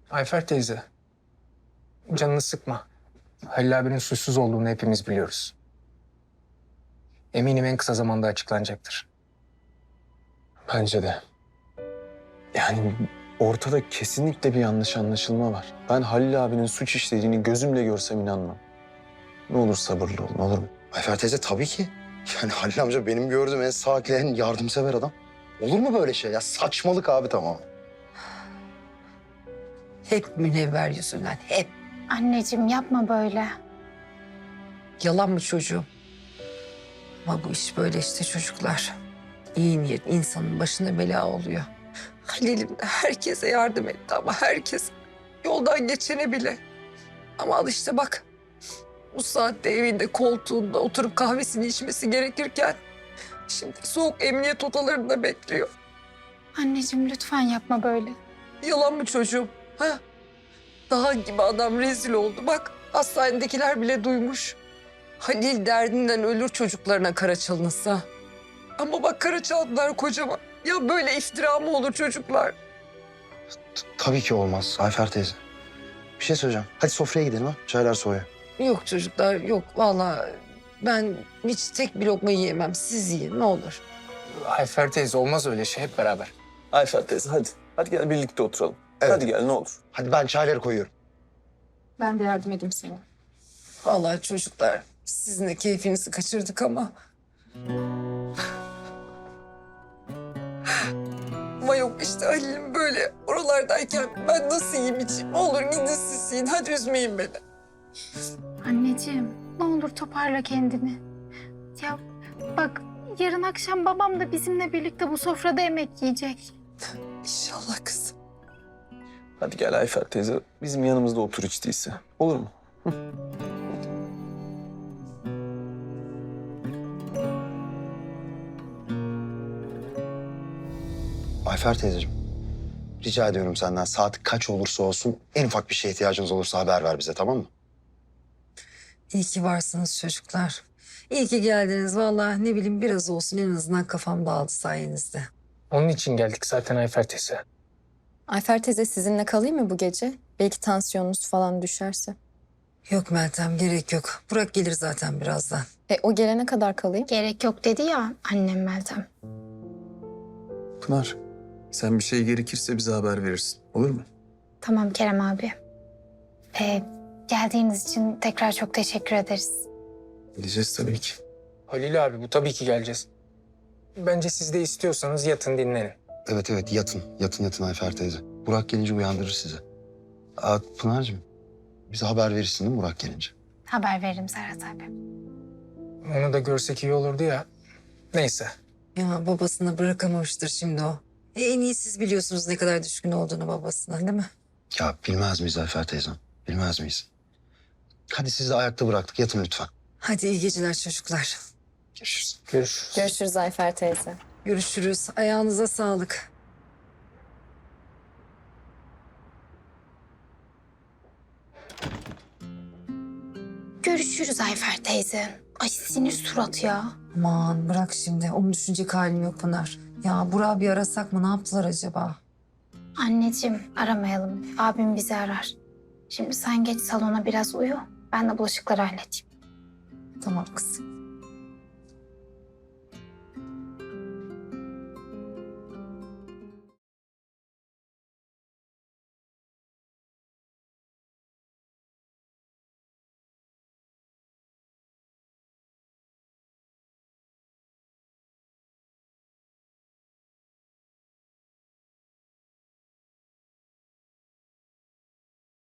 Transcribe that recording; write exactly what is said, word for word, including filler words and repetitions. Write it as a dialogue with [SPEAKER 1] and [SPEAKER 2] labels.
[SPEAKER 1] Ayfer teyze, canını sıkma. Halil abinin suçsuz olduğunu hepimiz biliyoruz. Eminim en kısa zamanda açıklanacaktır.
[SPEAKER 2] Bence de. Yani ortada kesinlikle bir yanlış anlaşılma var. Ben Halil abinin suç işlediğini gözümle görsem inanmam. Ne olur sabırlı olun, olur mu?
[SPEAKER 3] Ayfer teyze tabii ki. Yani Halil amca benim gördüğüm en sakin, en yardımsever adam. Olur mu böyle şey ya? Saçmalık abi tamam.
[SPEAKER 4] Hep Münevver yüzünden, hep.
[SPEAKER 5] Anneciğim yapma böyle.
[SPEAKER 4] Yalan mı çocuğum? Ama bu iş böyle işte çocuklar. İyi niyet insanın başına bela oluyor. Halil'im de herkese yardım etti ama herkes. Yoldan geçene bile. Ama al işte bak. Bu saatte evinde koltuğunda oturup kahvesini içmesi gerekirken... ...şimdi soğuk emniyet odalarında bekliyor.
[SPEAKER 5] Anneciğim lütfen yapma böyle.
[SPEAKER 4] Yalan mı çocuğum? Ha? Daha gibi adam rezil oldu. Bak hastanedekiler bile duymuş. Halil derdinden ölür çocuklarına kara çalınırsa. Ama bak kara çaldılar kocaman. Ya böyle iftira mı olur çocuklar?
[SPEAKER 3] T- tabii ki olmaz Ayfer teyze. Bir şey söyleyeceğim. Hadi sofraya gidelim ha. Çaylar soğuyor.
[SPEAKER 4] Yok çocuklar yok. Vallahi ben hiç tek bir lokma yiyemem. Siz yiyin ne olur.
[SPEAKER 1] Ayfer teyze olmaz öyle şey, hep beraber.
[SPEAKER 2] Ayfer teyze hadi. Hadi gel birlikte oturalım.
[SPEAKER 3] Evet.
[SPEAKER 2] Hadi gel ne olur.
[SPEAKER 3] Hadi ben çayları koyuyorum.
[SPEAKER 5] Ben de yardım edeyim sana.
[SPEAKER 4] Vallahi çocuklar sizin de keyfinizi kaçırdık ama... Ama yok işte Halil'im böyle oralardayken ben nasıl yiyeyim içeyim? Ne olur gidin siz yiyin. Hadi üzmeyin beni.
[SPEAKER 5] Anneciğim ne olur toparla kendini. Ya bak yarın akşam babam da bizimle birlikte bu sofrada yemek yiyecek.
[SPEAKER 4] İnşallah kızım.
[SPEAKER 2] Hadi gel Ayfer teyze. Bizim yanımızda otur hiç değilse. Olur mu?
[SPEAKER 3] Ayfer teyzeciğim. Rica ediyorum senden saat kaç olursa olsun en ufak bir şeye ihtiyacınız olursa haber ver bize tamam mı?
[SPEAKER 4] İyi ki varsınız çocuklar. İyi ki geldiniz. Vallahi ne bileyim biraz olsun en azından kafam dağıldı sayenizde.
[SPEAKER 1] Onun için geldik zaten Ayfer teyze.
[SPEAKER 6] Ayfer teyze sizinle kalayım mı bu gece? Belki tansiyonunuz falan düşerse.
[SPEAKER 4] Yok Meltem gerek yok. Burak gelir zaten birazdan.
[SPEAKER 6] E o gelene kadar kalayım.
[SPEAKER 5] Gerek yok dedi ya annem Meltem.
[SPEAKER 2] Pınar, sen bir şey gerekirse bize haber verirsin. Olur mu?
[SPEAKER 5] Tamam Kerem abi. Ee, geldiğiniz için tekrar çok teşekkür ederiz.
[SPEAKER 2] Gideceğiz tabii ki.
[SPEAKER 1] Halil abi bu tabii ki geleceğiz. Bence siz de istiyorsanız yatın dinlenin.
[SPEAKER 3] Evet evet yatın. Yatın yatın Ayfer teyze. Burak gelince uyandırır sizi. Aa, Pınar'cığım bize haber verirsin değil mi Burak gelince?
[SPEAKER 5] Haber veririm Serhat abi.
[SPEAKER 1] Onu da görsek iyi olurdu ya. Neyse.
[SPEAKER 4] Ya babasını bırakamamıştır şimdi o. E, en iyi siz biliyorsunuz ne kadar düşkün olduğunu babasına değil mi?
[SPEAKER 3] Ya bilmez miyiz Ayfer teyzem? Bilmez miyiz? Hadi sizi de ayakta bıraktık. Yatın lütfen.
[SPEAKER 4] Hadi iyi geceler çocuklar.
[SPEAKER 3] Görüşürüz.
[SPEAKER 1] Görüşürüz.
[SPEAKER 6] Görüşürüz Ayfer teyze.
[SPEAKER 4] Görüşürüz. Ayağınıza sağlık.
[SPEAKER 5] Görüşürüz Ayfer teyze. Ay sinir surat ya.
[SPEAKER 4] Aman bırak şimdi. Onu düşünecek halim yok Pınar. Ya Burak'ı bir arasak mı? Ne yaptılar acaba?
[SPEAKER 5] Anneciğim aramayalım. Abim bizi arar. Şimdi sen geç salona biraz uyu. Ben de bulaşıkları halledeyim.
[SPEAKER 4] Tamam kızım.